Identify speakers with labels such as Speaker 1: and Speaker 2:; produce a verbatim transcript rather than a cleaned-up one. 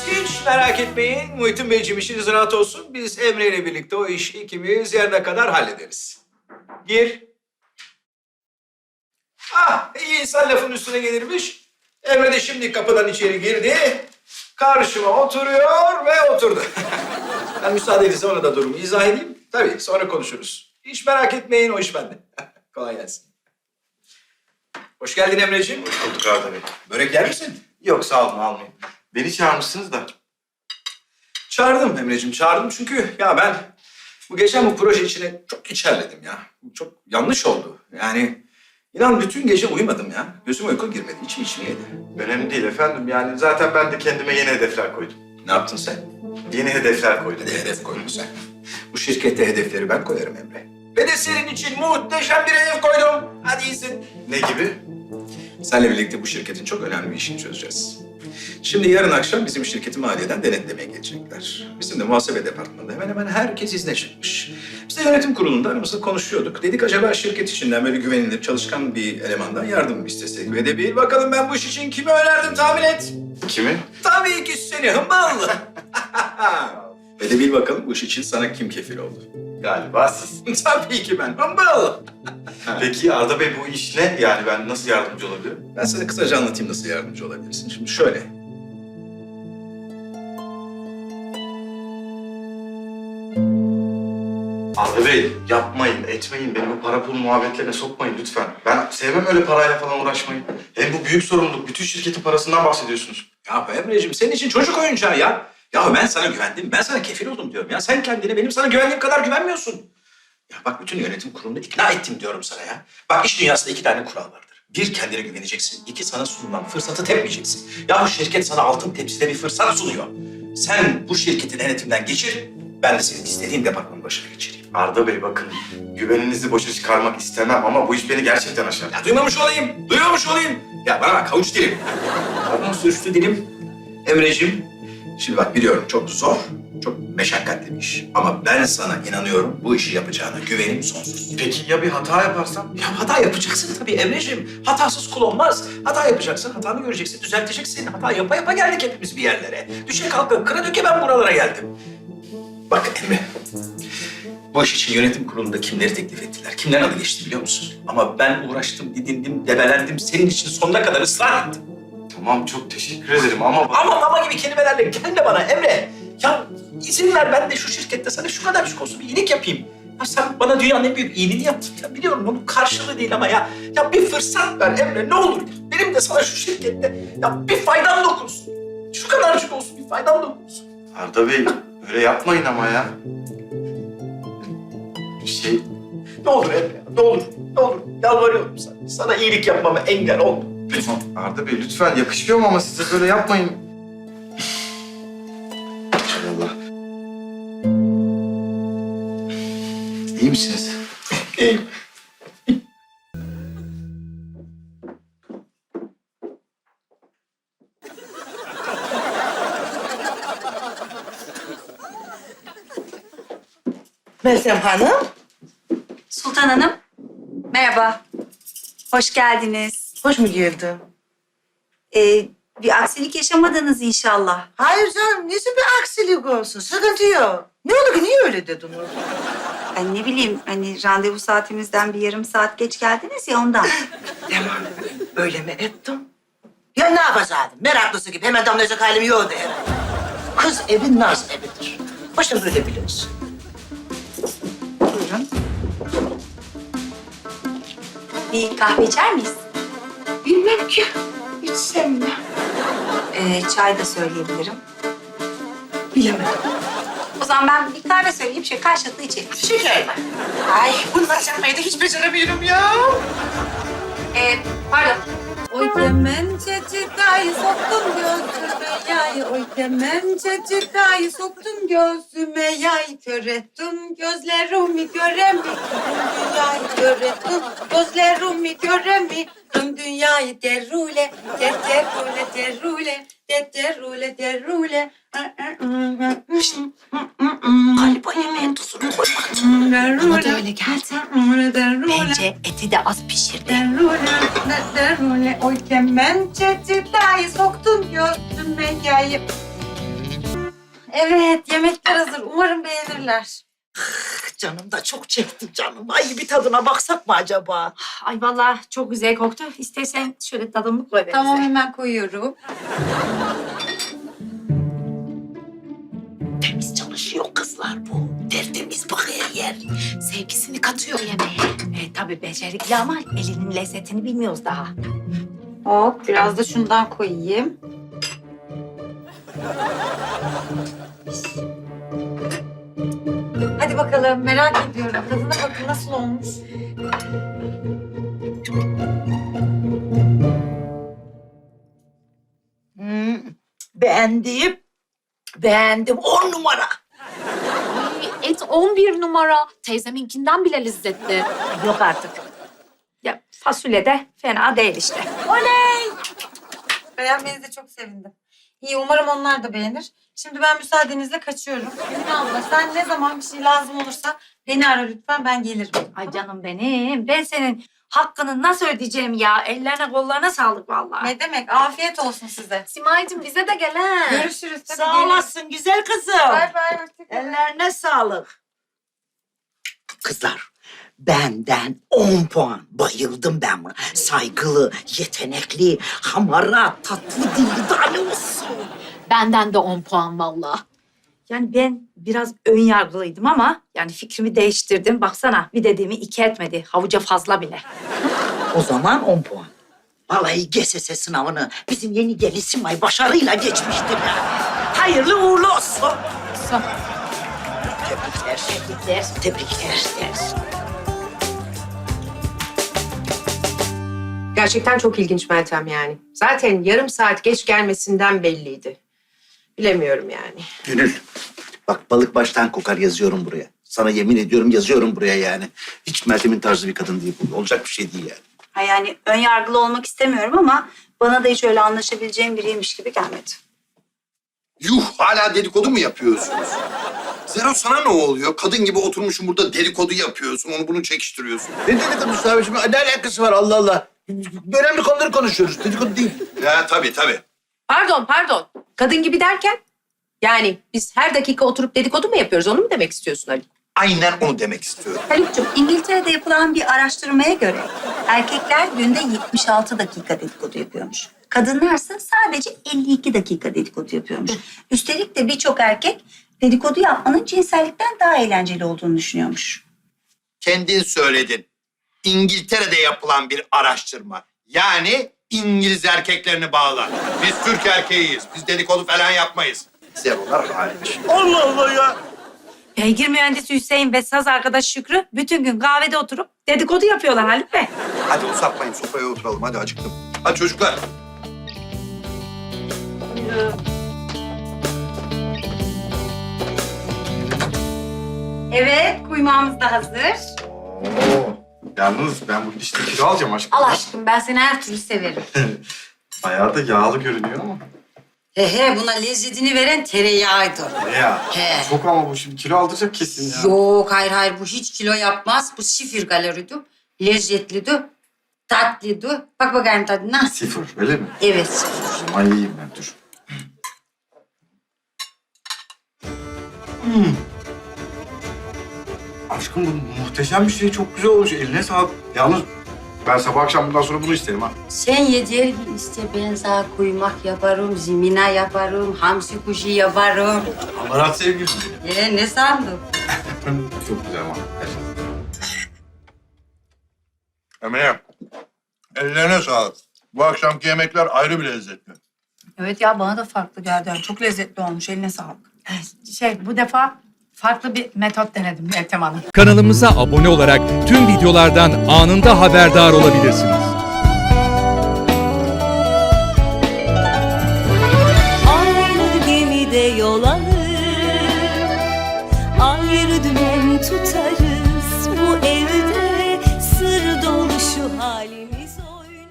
Speaker 1: hiç merak etmeyin. Muhittin Beyciğim işiniz rahat olsun. Biz Emre ile birlikte o işi ikimiz yarına kadar hallederiz. Gir. Ah, iyi insan lafın üstüne gelirmiş. Emre de şimdi kapıdan içeri girdi. Karşıma oturuyor ve oturdu. Ben müsaadenizle ona da durumu izah edeyim. Tabii sonra konuşuruz. Hiç merak etmeyin, o iş bende. Kolay gelsin. Hoş geldin Emreciğim.
Speaker 2: Hoş bulduk Arda Bey.
Speaker 1: Börek yer misin?
Speaker 2: Yok sağ olun almayayım. Beni çağırmışsınız da.
Speaker 1: Çağırdım Emreciğim, çağırdım çünkü ya ben bu geçen bu proje içine çok içerledim ya. Çok yanlış oldu. Yani inan bütün gece uyumadım ya. Gözüme uyku girmedi, içim içimi yedi.
Speaker 2: Önemli değil efendim. Yani zaten ben de kendime yeni hedefler koydum.
Speaker 1: Ne yaptın sen?
Speaker 2: Yeni hedefler koydum.
Speaker 1: Ne hedef koydun sen? Bu şirkette hedefleri ben koyarım Emre. Ve de senin için muhteşem bir hedef koydum. Hadi iyisin.
Speaker 2: Ne gibi?
Speaker 1: Seninle birlikte bu şirketin çok önemli bir işini çözeceğiz. Şimdi yarın akşam bizim şirketi maliyeden denetlemeye gelecekler. Bizim de muhasebe departmanında hemen hemen herkes izne çıkmış. Biz de yönetim kurulunda aramızda konuşuyorduk. Dedik acaba şirket içinden böyle güvenilir, çalışkan bir elemandan yardım mı istesek? Ve de bir bakalım ben bu iş için kimi önerdim tahmin et.
Speaker 2: Kimi?
Speaker 1: Tabii ki seni hımbal. Ve de bil bakalım bu iş için sana kim kefil oldu?
Speaker 2: Galiba siz.
Speaker 1: Tabii ki ben hımbal.
Speaker 2: Peki Arda Bey bu iş ne? Yani ben nasıl yardımcı olabilirim?
Speaker 1: Ben sana kısaca anlatayım nasıl yardımcı olabilirsin. Şimdi şöyle.
Speaker 2: Arda Bey yapmayın, etmeyin. Beni bu para pul muhabbetlerine sokmayın lütfen. Ben sevmem öyle parayla falan uğraşmayı. Hem bu büyük sorumluluk. Bütün şirketin parasından bahsediyorsunuz.
Speaker 1: Ya Emre'ciğim senin için çocuk oyuncağı ya. Ya ben sana güvendim, ben sana kefil oldum diyorum ya. Sen kendine benim sana güvendiğim kadar güvenmiyorsun. Ya bak bütün yönetim kurulunu ikna ettim diyorum sana ya. Bak iş dünyasında iki tane kural vardır. Bir, kendine güveneceksin. İki, sana sunulan fırsatı tepmeyeceksin. Ya bu şirket sana altın tepside bir fırsat sunuyor. Sen bu şirketi denetimden geçir, ben de senin istediğin departmanın başına geçireyim.
Speaker 2: Arda Bey bakın, güveninizi boşa çıkarmak istemem ama bu iş beni gerçekten aşar.
Speaker 1: Ya duymamış olayım, duymamış olayım. Ya bana bak havuç dilim. Pardon sürçtü dilim. Emreciğim, şimdi bak biliyorum çok zor, çok meşakkatli bir iş. Ama ben sana inanıyorum, bu işi yapacağına güvenim sonsuz.
Speaker 2: Peki ya bir hata yaparsam?
Speaker 1: Ya hata yapacaksın tabii Emreciğim. Hatasız kul olmaz. Hata yapacaksın, hatanı göreceksin, düzelteceksin. Hata yapa yapa geldik hepimiz bir yerlere. Düşe kalka, kıra döke ben buralara geldim. Bak Emre, bu iş için yönetim kurulunda kimleri teklif ettiler, kimler adı geçti biliyor musun? Ama ben uğraştım, didindim, debelendim, senin için sonuna kadar ısrar ettim.
Speaker 2: Tamam çok teşekkür ederim ama...
Speaker 1: Ama baba gibi kelimelerle gelme bana Emre. Ya izin ver ben de şu şirkette sana şu kadarcık olsun bir iyilik yapayım. Ya sen bana dünyanın en büyük iyiliğini yaptın ya. Biliyorum bunun karşılığı değil ama ya. Ya bir fırsat ver Emre ne olur. Benim de sana şu şirkette ya bir faydam dokunsun. Şu kadarcık olsun bir faydam dokunsun.
Speaker 2: Arda Bey öyle yapmayın ama ya. Bir şey...
Speaker 1: Ne olur Emre ne olur. Ne olur yalvarıyorum sana. Sana iyilik yapmama engel olma. Lütfen.
Speaker 2: Arda Bey lütfen yakışıyor mu ama size böyle yapmayın. Hay Allah. İyi misiniz?
Speaker 1: İyiyim.
Speaker 3: Meltem Hanım,
Speaker 4: Sultan Hanım, merhaba. Hoş geldiniz.
Speaker 3: hoş mu geldin?
Speaker 4: Ee, bir aksilik yaşamadınız inşallah.
Speaker 3: Hayır canım, nesi bir aksilik olsun, sıkıntı yok. Ne oldu ki, niye öyle dedin?
Speaker 4: Ben ne bileyim, hani randevu saatimizden bir yarım saat geç geldiniz ya ondan.
Speaker 3: Tamam, öyle mi ettim? Ya ne yapacaktım? Meraklısı gibi hemen damlayacak halim yoktu herhalde. Kız evin naz evidir. Başta böyle biliyorsun.
Speaker 4: Buyurun. Bir kahve içer miyiz?
Speaker 3: Bilmem ki, içsem mi?
Speaker 4: Ee, çay da söyleyebilirim.
Speaker 3: Bilemedim.
Speaker 4: O zaman ben bir kahve söyleyeyim, şöyle karşılıklı içelim.
Speaker 3: Şeker mi? Ay, bunlar yapmayı da hiç beceremiyorum ya.
Speaker 4: Ee, pardon.
Speaker 5: Oy kemençeci dayı soktun gözüme yay. Oy kemençeci dayı soktun gözüme yay. Kör ettin gözlerimi göremiyorum. Dünyayı kör ettin gözlerimi göremiyorum. Dünyayı derule, der derule, derule, der derule, derule.
Speaker 3: Galiba yemeğin tuzunu koymadım.
Speaker 5: Bana da öyle geldi.
Speaker 3: Bence eti de az pişirdi.
Speaker 5: Derule, derule, oy kemençeci dayı soktun gözüme yayıp. Evet, yemekler hazır. Umarım beğenirler.
Speaker 3: Canım da çok çekti canım. Ay bir tadına baksak mı acaba?
Speaker 4: Ay vallahi çok güzel koktu. İstersen şöyle tadımlık koy
Speaker 5: Tamam, hemen koyuyorum.
Speaker 3: Temiz çalışıyor kızlar bu. Tertemiz bak her yer.
Speaker 4: Sevgisini katıyor yemeğe. E, tabii becerikli ama elinin lezzetini bilmiyoruz daha.
Speaker 5: Hop, biraz da şundan koyayım. Hadi bakalım, merak ediyorum. Tadına bakın nasıl olmuş.
Speaker 3: Hmm, beğendim. Beğendim. On numara.
Speaker 6: Et on bir numara. Teyzeminkinden bile lezzetli.
Speaker 4: Yok artık. Ya fasulye de fena değil işte.
Speaker 5: Beğenmenize çok sevindim. İyi, umarım onlar da beğenir. Şimdi ben müsaadenizle kaçıyorum. Emine abla, sen ne zaman bir şey lazım olursa beni ara lütfen, ben gelirim.
Speaker 4: Ay canım benim. Ben senin hakkını nasıl ödeyeceğim ya? Ellerine kollarına sağlık vallahi.
Speaker 5: Ne demek? Afiyet olsun size.
Speaker 6: Simay'cığım bize de gel ha.
Speaker 5: Görüşürüz. Tabii,
Speaker 3: Sağ
Speaker 5: gelin.
Speaker 3: olasın güzel kızım.
Speaker 5: Bay bay. hoşça kalın.
Speaker 3: Ellerine sağlık. Kızlar, benden on puan. Bayıldım ben buna. Saygılı, yetenekli, hamarat, tatlı dilli daha ne olsun?
Speaker 6: Benden de on puan vallahi.
Speaker 4: Yani ben biraz ön yargılıydım ama yani fikrimi değiştirdim. Baksana bir dediğimi iki etmedi. Havuca fazla bile.
Speaker 3: O zaman on puan. Vallahi G S S sınavını bizim yeni gelin Simay başarıyla geçmiştir ya. Hayırlı uğurlu olsun. Tebrikler.
Speaker 4: Tebrikler.
Speaker 3: Tebrikler.
Speaker 7: Gerçekten çok ilginç Meltem yani. Zaten yarım saat geç gelmesinden belliydi. Bilemiyorum yani.
Speaker 1: Gönül, bak balık baştan kokar yazıyorum buraya. Sana yemin ediyorum yazıyorum buraya yani. Hiç Meltem'in tarzı bir kadın değil bu. Olacak bir şey değil yani.
Speaker 4: Ha yani ön yargılı olmak istemiyorum ama bana da hiç öyle anlaşabileceğim biriymiş gibi gelmedi.
Speaker 8: Yuh, hala dedikodu mu yapıyorsunuz? Zero, sana ne oluyor? Kadın gibi oturmuşum burada dedikodu yapıyorsun, onu bunu çekiştiriyorsun.
Speaker 1: Ne dedikodusu abiciğim? Ne alakası var Allah Allah? Önemli konuları konuşuyoruz. Dedikodu değil.
Speaker 8: Ya tabii tabii.
Speaker 7: Pardon, pardon. Kadın gibi derken? Yani biz her dakika oturup dedikodu mu yapıyoruz? Onu mu demek istiyorsun Ali?
Speaker 8: Aynen onu demek istiyorum.
Speaker 4: Haluk'cum, İngiltere'de yapılan bir araştırmaya göre erkekler günde yetmiş altı dakika dedikodu yapıyormuş. Kadınlarsa sadece elli iki dakika dedikodu yapıyormuş. Üstelik de birçok erkek dedikodu yapmanın cinsellikten daha eğlenceli olduğunu düşünüyormuş.
Speaker 8: Kendin söyledin. İngiltere'de yapılan bir araştırma. Yani İngiliz erkeklerini bağlar. Biz Türk erkeğiyiz. Biz dedikodu falan yapmayız. Zerolar hariç.
Speaker 1: Allah Allah ya.
Speaker 4: Beygir mühendisi Hüseyin ve saz arkadaş Şükrü bütün gün kahvede oturup dedikodu yapıyorlar Haluk Bey.
Speaker 8: Hadi uzatmayın, sofraya oturalım. Hadi acıktım. Hadi çocuklar.
Speaker 5: Evet, kuymağımız da hazır.
Speaker 2: Oo. Yalnız ben bu işte kilo alacağım aşkım.
Speaker 5: Al aşkım, ben seni her türlü severim.
Speaker 2: Bayağı da yağlı görünüyor ama.
Speaker 5: He he, buna lezzetini veren tereyağıdır.
Speaker 2: Ne ya?
Speaker 5: He.
Speaker 2: Çok ama bu şimdi kilo aldıracak kesin ya.
Speaker 5: Yok, hayır hayır, bu hiç kilo yapmaz. Bu sıfır kaloriydi, lezzetliydi, tatlıydı. Bak bakayım tadına.
Speaker 2: Sıfır öyle mi?
Speaker 5: Evet, sıfır.
Speaker 2: Ay yiyeyim ben dur. Hmm. Aşkım bu muhteşem bir şey. Çok güzel olmuş. Eline sağlık. Yalnız ben sabah akşam bundan sonra bunu isterim ha.
Speaker 5: Sen yeter ki iste, ben sana kuymak yaparım, zimina yaparım, hamsi kuşu yaparım.
Speaker 2: Amarat sevgilim benim.
Speaker 5: Ee, ne sandın?
Speaker 2: Çok güzel ama.
Speaker 8: Emine, ellerine sağlık. Bu akşamki yemekler ayrı bir lezzetli.
Speaker 9: Evet ya, bana da farklı geldi. Yani çok lezzetli olmuş. Eline sağlık. Şey, bu defa farklı bir metot denedim Meltem Hanım.
Speaker 10: Kanalımıza abone olarak tüm videolardan anında haberdar olabilirsiniz.
Speaker 11: Aynı gemide yol alır, ayrı dümen tutarız.